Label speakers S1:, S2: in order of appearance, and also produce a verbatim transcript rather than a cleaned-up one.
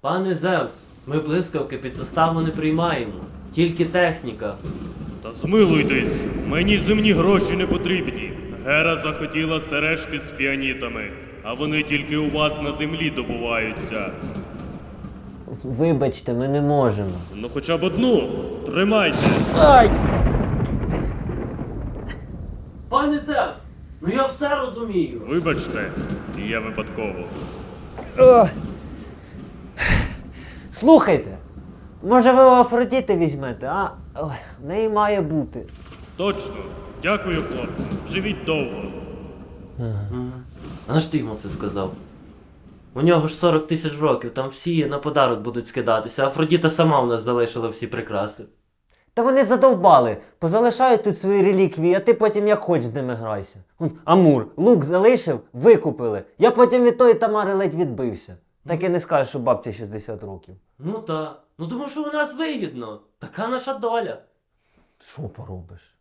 S1: Пане Зевс, ми блискавки під заставу не приймаємо. Тільки техніка.
S2: Та змилуйтесь, мені земні гроші не потрібні. Гера захотіла сережки з фіанітами, а вони тільки у вас на землі добуваються.
S3: Вибачте, ми не можемо.
S2: Ну хоча б одну, тримайте.
S3: Ай!
S1: Пане Зевс, ну я все розумію.
S2: Вибачте, я випадково.
S3: О! Слухайте, може ви у Афродіти візьмете, а? Ой, в неї має бути.
S2: Точно. Дякую, хлопці. Живіть довго.
S1: А на що ти йому це сказав? У нього ж сорок тисяч років, там всі на подарок будуть скидатися, а Афродіта сама у нас залишила всі прикраси.
S3: Та вони задовбали, позалишають тут свої реліквії, а ти потім як хоч з ними грайся. Вон, Амур, лук залишив, викупили. Я потім від тої Тамари ледь відбився. Так і не скажеш, що бабці шістдесят років.
S1: Ну та, ну тому що у нас вигідно. Така наша доля.
S3: Що поробиш?